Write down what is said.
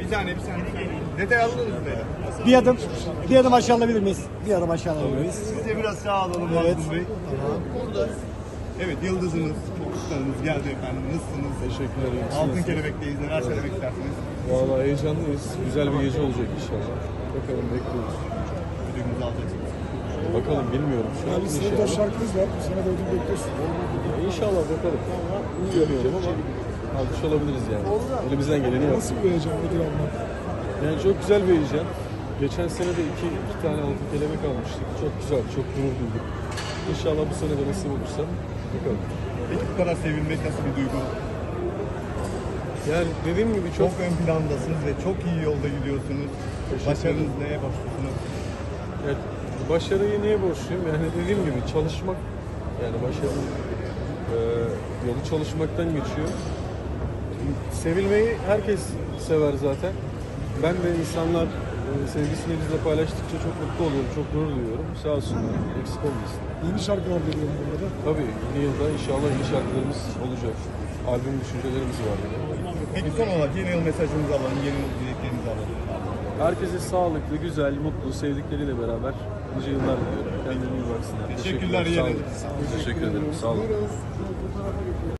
Bir saniye. Detay alınır mı böyle? Bir adım aşağı alabilir miyiz? Bir adım aşağı alabilir miyiz? Siz de biraz sağ alalım Evet. Mazlum Bey. Burada. Evet, yıldızınız, fokuslarınız geldi efendim. Nasılsınız? Teşekkür ederim. Altın Kelebek'teyiz. Neler söylemek istersiniz? Vallahi heyecanlıyız. Güzel bir gece olacak inşallah. Bakalım bekliyoruz. Ödülümüzü alacaksınız. Bakalım bilmiyorum şu an Sırada inşallah. şarkımız var. Bu sene de ödül bekliyorsun. İnşallah bakalım. Bilmiyorum ama almış olabiliriz yani. Elimizden geleni Nasıl yaptık. bir heyecan ödül almak? Yani çok güzel bir heyecan. Geçen sene de iki tane altın kelebek almıştık. Çok güzel, çok gurur duyduk. İnşallah bu sene de nasip olursa bakalım. Peki bu kadar sevilmek nasıl bir duygu? Yani dediğim gibi Çok ön plandasınız ve çok iyi yolda gidiyorsunuz. Teşekkür Başarınız neye borçlusunuz? evet, başarıyı neye borçluyum? Yani dediğim gibi çalışmak, yani başarı yolu çalışmaktan geçiyor. Sevilmeyi herkes sever zaten. Ben de insanlar sevgisini bizle paylaştıkça çok mutlu oluyorum, çok gurur duyuyorum. Sağ olsunlar, eksik olmasın. Yeni şarkılar geliyor bu arada. Tabii yeni yılda inşallah yeni şarkılarımız olacak. Albüm düşüncelerimiz var yine. Peki son olarak yeni yıl mesajınızı alalım, yeni yıl dileklerinizi alalım. Herkese sağlıklı, güzel, mutlu, sevdikleriyle beraber nice yıllar diliyorum. Kendine iyi baksınlar. Teşekkürler, Sağ olun. iyi Teşekkür ederim. Sağ olun.